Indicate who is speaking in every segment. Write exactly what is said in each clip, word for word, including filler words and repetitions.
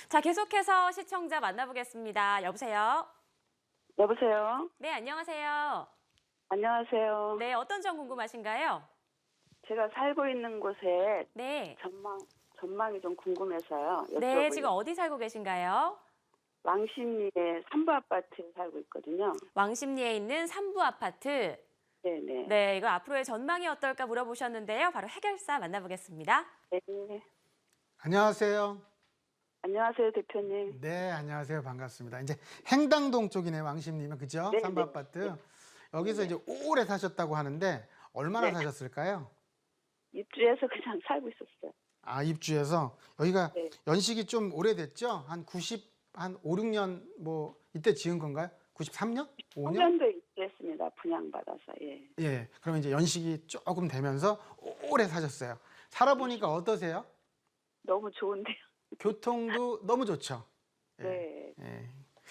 Speaker 1: 자, 계속해서 시청자 만나보겠습니다. 여보세요?
Speaker 2: 여보세요?
Speaker 1: 네, 안녕하세요.
Speaker 2: 안녕하세요.
Speaker 1: 네, 어떤 점 궁금하신가요?
Speaker 2: 제가 살고 있는 곳에
Speaker 1: 네.
Speaker 2: 전망, 전망이 좀 궁금해서요.
Speaker 1: 네,
Speaker 2: 여쭤보려고.
Speaker 1: 지금 어디 살고 계신가요?
Speaker 2: 왕십리에 삼부 아파트에 살고 있거든요.
Speaker 1: 왕십리에 있는 삼부 아파트.
Speaker 2: 네네.
Speaker 1: 네, 이거 앞으로의 전망이 어떨까 물어보셨는데요. 바로 해결사 만나보겠습니다.
Speaker 2: 네.
Speaker 3: 안녕하세요.
Speaker 2: 안녕하세요, 대표님.
Speaker 3: 네, 안녕하세요. 반갑습니다. 이제 행당동 쪽이네, 왕십리면. 그죠?
Speaker 2: 네,
Speaker 3: 삼부
Speaker 2: 네.
Speaker 3: 아파트. 여기서 이제 오래 사셨다고 하는데 얼마나
Speaker 2: 네.
Speaker 3: 사셨을까요?
Speaker 2: 입주해서 그냥 살고 있었어요.
Speaker 3: 아, 입주해서 여기가
Speaker 2: 네.
Speaker 3: 연식이 좀 오래됐죠? 한 구십, 한 오, 육 년 뭐 이때 지은 건가요? 구십삼 년? 오 년?
Speaker 2: 년 도 입주했습니다. 분양받아서. 예.
Speaker 3: 예. 그러면 이제 연식이 조금 되면서 오래 사셨어요. 살아보니까 어떠세요?
Speaker 2: 너무 좋은데요.
Speaker 3: 교통도 너무 좋죠? 예.
Speaker 2: 네.
Speaker 3: 예.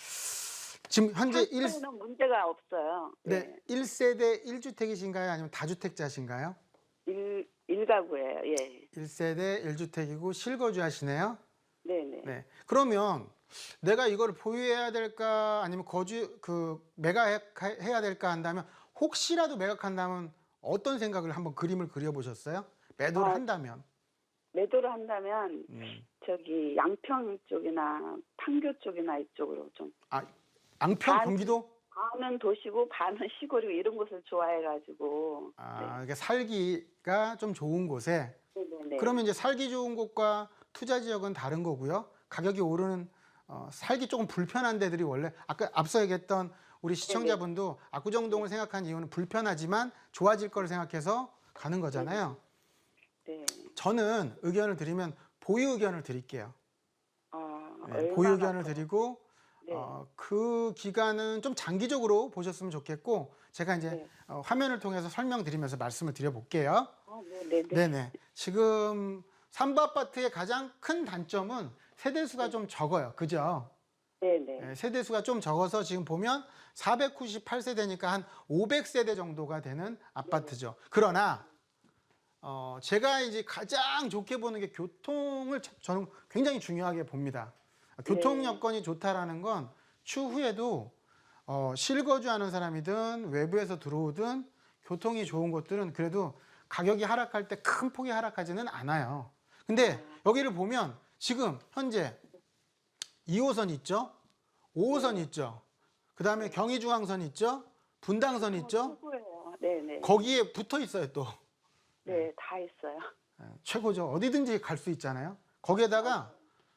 Speaker 3: 지금 현재 일,
Speaker 2: 는 문제가 없어요.
Speaker 3: 네,
Speaker 2: 네.
Speaker 3: 일 세대 일 주택이신가요? 아니면 다주택자신가요?
Speaker 2: 일, 일가구예요. 예.
Speaker 3: 일 세대 일 주택이고 실거주 하시네요.
Speaker 2: 네네.
Speaker 3: 네. 그러면 내가 이걸 보유해야 될까 아니면 거주 그 매각해야 될까 한다면 혹시라도 매각한다면 어떤 생각을 한번 그림을 그려보셨어요? 매도를
Speaker 2: 아,
Speaker 3: 한다면.
Speaker 2: 매도를 한다면
Speaker 3: 음.
Speaker 2: 저기 양평 쪽이나 판교 쪽이나 이쪽으로 좀
Speaker 3: 아, 양평
Speaker 2: 반-
Speaker 3: 경기도?
Speaker 2: 반은 도시고 반은 시골이고 이런 곳을 좋아해가지고.
Speaker 3: 아, 이게 살기가 좀 좋은 곳에.
Speaker 2: 네. 네네네.
Speaker 3: 그러면 이제 살기 좋은 곳과 투자 지역은 다른 거고요. 가격이 오르는 어, 살기 조금 불편한 데들이 원래 아까 앞서 얘기했던 우리 시청자분도 압구정동을 생각한 이유는 불편하지만 좋아질 거를 생각해서 가는 거잖아요.
Speaker 2: 네.
Speaker 3: 저는 의견을 드리면 보유 의견을 드릴게요.
Speaker 2: 아,
Speaker 3: 네,
Speaker 2: 얼마나
Speaker 3: 보유 의견을
Speaker 2: 더-
Speaker 3: 드리고
Speaker 2: 네.
Speaker 3: 어, 그 기간은 좀 장기적으로 보셨으면 좋겠고 제가 이제
Speaker 2: 네.
Speaker 3: 어, 화면을 통해서 설명드리면서 말씀을 드려볼게요.
Speaker 2: 어, 네, 네, 네.
Speaker 3: 네네. 지금 삼부 아파트의 가장 큰 단점은 세대수가 좀 적어요. 그죠?
Speaker 2: 네, 네.
Speaker 3: 네, 세대수가 좀 적어서 지금 보면 사백구십팔 세대니까 한 오백 세대 정도가 되는 아파트죠. 그러나 어, 제가 이제 가장 좋게 보는 게 교통을 참- 저는 굉장히 중요하게 봅니다. 교통
Speaker 2: 네.
Speaker 3: 여건이 좋다라는 건 추후에도 어, 실거주하는 사람이든 외부에서 들어오든 교통이 좋은 곳들은 그래도 가격이 하락할 때 큰 폭이 하락하지는 않아요. 근데 여기를 보면 지금 현재 이 호선 있죠? 오 호선 있죠? 그 다음에 경의중앙선 있죠? 분당선 있죠?
Speaker 2: 최고예요. 네, 네.
Speaker 3: 거기에 붙어 있어요 또.
Speaker 2: 네, 다 있어요.
Speaker 3: 예, 최고죠. 어디든지 갈 수 있잖아요. 거기에다가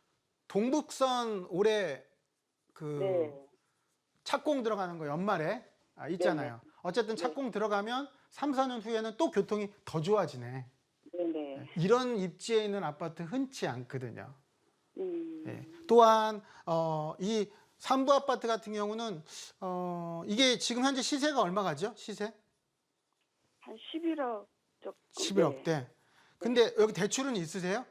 Speaker 3: 동북선 올해 그
Speaker 2: 네.
Speaker 3: 착공 들어가는 거 연말에 아, 있잖아요. 어쨌든 착공 들어가면 삼, 사 년 후에는 또 교통이 더 좋아지네.
Speaker 2: 네, 네.
Speaker 3: 이런 입지에 있는 아파트 흔치 않거든요.
Speaker 2: 음.
Speaker 3: 예. 또한 어, 이 삼부 아파트 같은 경우는 어, 이게 지금 현재 시세가 얼마 가죠? 시세?
Speaker 2: 한 십일억 조금.
Speaker 3: 십일억대. 근데 여기 대출은 있으세요?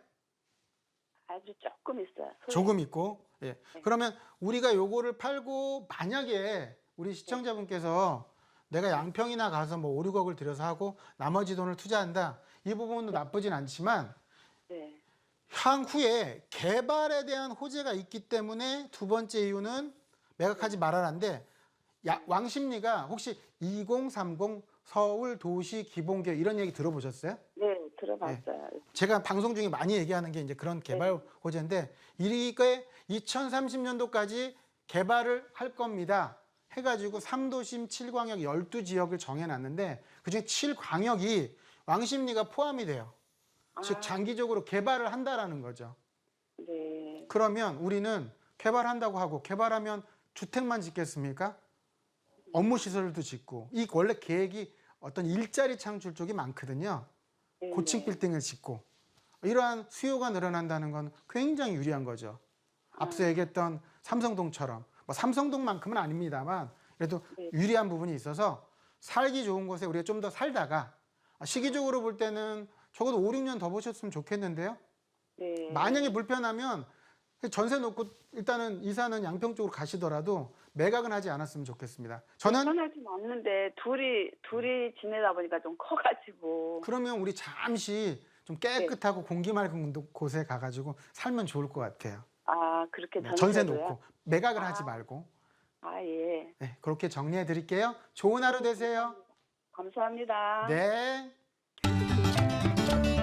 Speaker 2: 아주 조금 있어요. 소액.
Speaker 3: 조금 있고. 예. 그러면 우리가 요거를 팔고 만약에 우리 시청자분께서 내가 양평이나 가서 뭐 오, 육억을 들여서 하고 나머지 돈을 투자한다. 이 부분도 나쁘진 않지만
Speaker 2: 네.
Speaker 3: 향후에 개발에 대한 호재가 있기 때문에 두 번째 이유는 매각하지 말아라인데 왕십리가 혹시 이공삼공 서울 도시 기본계획 이런 얘기 들어보셨어요?
Speaker 2: 네, 들어봤어요.
Speaker 3: 제가 방송 중에 많이 얘기하는 게 이제 그런 개발 호재인데 이게 이천삼십 년도까지 개발을 할 겁니다. 해가지고 삼 도심 칠 광역 열두 지역을 정해놨는데 그중에 칠 광역이 왕십리가 포함이 돼요. 즉 장기적으로 개발을 한다라는 거죠.
Speaker 2: 네.
Speaker 3: 그러면 우리는 개발한다고 하고 개발하면 주택만 짓겠습니까? 업무 시설도 짓고 이 원래 계획이 어떤 일자리 창출 쪽이 많거든요.
Speaker 2: 네,
Speaker 3: 고층
Speaker 2: 네.
Speaker 3: 빌딩을 짓고 이러한 수요가 늘어난다는 건 굉장히 유리한 거죠. 앞서 얘기했던 삼성동처럼 뭐 삼성동만큼은 아닙니다만 그래도
Speaker 2: 네.
Speaker 3: 유리한 부분이 있어서 살기 좋은 곳에 우리가 좀 더 살다가 시기적으로 볼 때는 적어도 오, 육 년 더 보셨으면 좋겠는데요.
Speaker 2: 네.
Speaker 3: 만약에 불편하면 전세 놓고 일단은 이사는 양평 쪽으로 가시더라도 매각은 하지 않았으면 좋겠습니다. 저는
Speaker 2: 편하진 않는데 둘이 둘이 지내다 보니까 좀 커가지고.
Speaker 3: 그러면 우리 잠시 좀 깨끗하고 공기 맑은 곳에 가가지고 살면 좋을 것 같아요.
Speaker 2: 아, 그렇게
Speaker 3: 네, 전세
Speaker 2: 전세로요?
Speaker 3: 놓고 매각을
Speaker 2: 아.
Speaker 3: 하지 말고.
Speaker 2: 아, 예.
Speaker 3: 네, 그렇게 정리해 드릴게요. 좋은 하루 되세요.
Speaker 2: 감사합니다.
Speaker 3: 네.